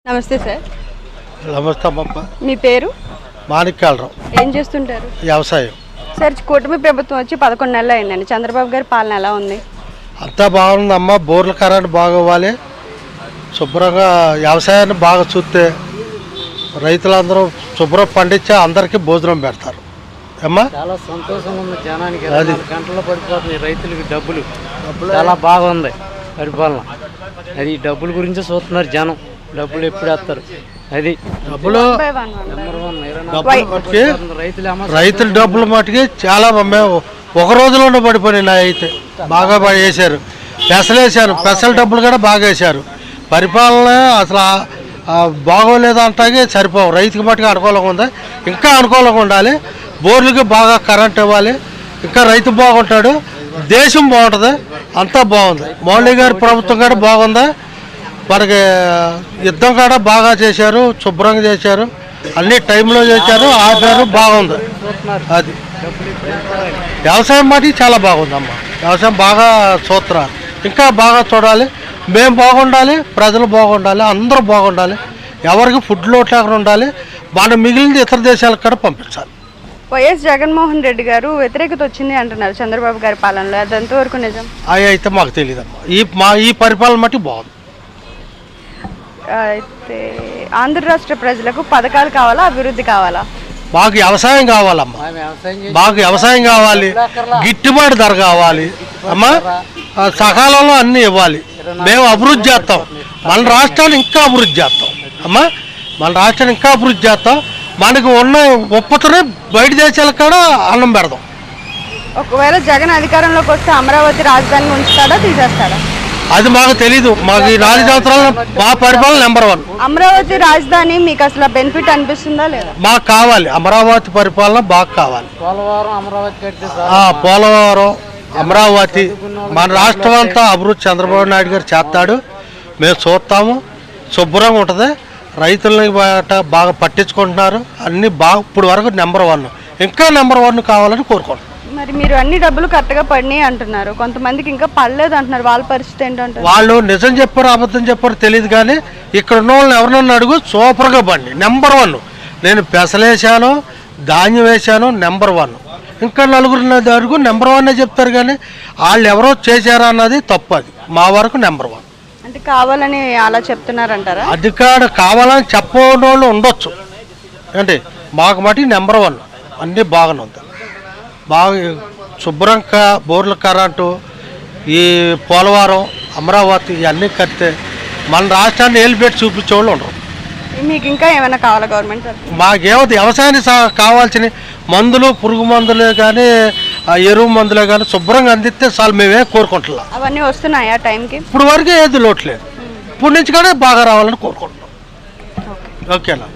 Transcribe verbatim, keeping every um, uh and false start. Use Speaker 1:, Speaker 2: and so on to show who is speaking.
Speaker 1: నమస్తే సార్.
Speaker 2: నమస్తే అమ్మప్ప.
Speaker 1: మీ పేరు?
Speaker 2: మాణిక్యాలరావు.
Speaker 1: ఏం చేస్తుంటారు?
Speaker 2: వ్యవసాయం.
Speaker 1: సార్, కూటమి ప్రభుత్వం వచ్చి పదకొండు నెలలు అయిందండి. చంద్రబాబు గారి పాలన ఎలా ఉంది?
Speaker 2: అంతా బాగుందమ్మా. బోర్ల కరెంట్ బాగోవాలి, శుభ్రంగా వ్యవసాయాన్ని బాగా చూస్తే రైతులందరూ శుభ్రం పండించి అందరికీ భోజనం పెడతారు. అమ్మా
Speaker 3: చాలా సంతోషంగా ఉంది జనానికి. అది గంటల్లో పడిపోతుంది రైతులకి డబ్బులు. చాలా బాగుంది పరిపాలన. అది డబ్బుల గురించి చూస్తున్నారు జనం. డబ్బులు ఎప్పుడు వేస్తారు? అది
Speaker 2: డబ్బులు
Speaker 3: రైతులు
Speaker 2: రైతుల డబ్బులు మటుకి చాలా మేము ఒక రోజులోనే పడిపోయినాయి. నా అయితే బాగా వేశారు, పెసలు వేశారు, పెసల డబ్బులు కూడా బాగా వేశారు. పరిపాలన అసలు బాగోలేదు అంటాగే సరిపోవు. రైతుకి మట్టుకు అనుకూలంగా ఉంది, ఇంకా అనుకూలంగా ఉండాలి. బోర్లకి బాగా కరెంట్ ఇవ్వాలి, ఇంకా రైతు బాగుంటాడు, దేశం బాగుంటుంది, అంతా బాగుంది. మోడీ గారి ప్రభుత్వం కూడా బాగుంది. మనకి యుద్ధం కూడా బాగా చేశారు, శుభ్రంగా చేశారు, అన్ని టైంలో చేశారు, ఆపారు, బాగుంది. అది వ్యవసాయం మటుకు చాలా బాగుందమ్మ. వ్యవసాయం బాగా చూస్తున్నారు, ఇంకా బాగా చూడాలి. మేము బాగుండాలి, ప్రజలు బాగుండాలి, అందరూ బాగుండాలి. ఎవరికి ఫుడ్ లోటు లేకుండా ఉండాలి. మన మిగిలింది ఇతర దేశాలకు కూడా పంపించాలి.
Speaker 1: వైఎస్ జగన్మోహన్ రెడ్డి గారు వ్యతిరేకత వచ్చింది అంటున్నారు చంద్రబాబు గారి పాలనలో. అది ఎంతవరకు నిజం?
Speaker 2: అవి అయితే మాకు తెలియదమ్మా. ఈ మా ఈ పరిపాలన మటుకు బాగుంది.
Speaker 1: అయితే ఆంధ్ర రాష్ట్ర ప్రజలకు పథకాలు కావాలా, అభివృద్ధి కావాలా?
Speaker 2: మాకు వ్యవసాయం కావాలమ్మా. మాకు వ్యవసాయం కావాలి, గిట్టుబాటు ధర కావాలి అమ్మా, సకాలంలో అన్నీ ఇవ్వాలి. మేము అభివృద్ధి చేస్తాం, మన రాష్ట్రాన్ని ఇంకా అభివృద్ధి చేస్తాం అమ్మా. మన రాష్ట్రాన్ని ఇంకా అభివృద్ధి చేస్తాం. మనకు ఉన్న ఉత్పత్తిని బయట దేశాలకు కూడా అన్నం పెడదాం.
Speaker 1: ఒకవేళ జగన్ అధికారంలోకి వస్తే అమరావతి రాజధానిని ఉంచుతాడా, తీసేస్తాడా?
Speaker 2: అది మాకు తెలీదు. మాకు ఈ నాలుగు సంవత్సరాలు మా పరిపాలన నెంబర్ వన్.
Speaker 1: అమరావతి రాజధాని మీకు అసలు బెనిఫిట్ అనిపిస్తుందా లేదా?
Speaker 2: మాకు కావాలి, అమరావతి పరిపాలన బాగా కావాలి.
Speaker 3: పోలవరం అమరావతి కడితే
Speaker 2: పోలవరం అమరావతి మన రాష్ట్రం అంతా అభివృద్ధి చంద్రబాబు నాయుడు గారు చేస్తాడు. మేము చూస్తాము, శుభ్రంగా ఉంటుంది. రైతులని బాగా పట్టించుకుంటున్నారు, అన్నీ బాగా ఇప్పుడు వరకు నెంబర్ వన్, ఇంకా నెంబర్ వన్ కావాలని కోరుకుంటున్నాం.
Speaker 1: మరి మీరు అన్ని డబ్బులు కరెక్ట్గా పడినాయి అంటున్నారు, కొంతమందికి ఇంకా పడలేదు అంటున్నారు. వాళ్ళ పరిస్థితి ఏంటంటారు?
Speaker 2: వాళ్ళు నిజం చెప్పారు అబద్ధం చెప్పారు తెలియదు, కానీ ఇక్కడ ఉన్న వాళ్ళని ఎవరన్నా అడుగు, సూపర్గా పడి నెంబర్ వన్. నేను పెసలేసాను, ధాన్యం వేసాను, నెంబర్ వన్. ఇంకా నలుగురు అడుగు నెంబర్ వన్ చెప్తారు, కానీ వాళ్ళు ఎవరో చేశారా అన్నది తప్పు. అది మా వరకు నెంబర్ వన్.
Speaker 1: అంటే కావాలని అలా చెప్తున్నారంటారా?
Speaker 2: అధికారులు కావాలని చెప్పని వాళ్ళు ఉండొచ్చు, అంటే మాకు మటు నెంబర్ వన్. అన్నీ బాగానే ఉంది, బాగా శుభ్రంగా బోర్ల కరెంటు, ఈ పోలవరం అమరావతి ఇవన్నీ కడితే మన రాష్ట్రాన్ని ఏలిపెట్టి చూపించే వాళ్ళు ఉండరు.
Speaker 1: మీకు ఇంకా ఏమైనా కావాలా గవర్నమెంట్?
Speaker 2: మాకేమవుతుంది వ్యవసాయానికి కావాల్సిన మందులు, పురుగు మందులే కానీ ఎరువు మందులే కానీ శుభ్రంగా అందిస్తే చాలు, మేమే కోరుకుంటున్నాం.
Speaker 1: అవన్నీ వస్తున్నాయా టైంకి?
Speaker 2: ఇప్పుడు వరకే ఏది లోట్లేదు, ఇప్పుడు నుంచి కానీ బాగా రావాలని కోరుకుంటున్నాం. ఓకేనా?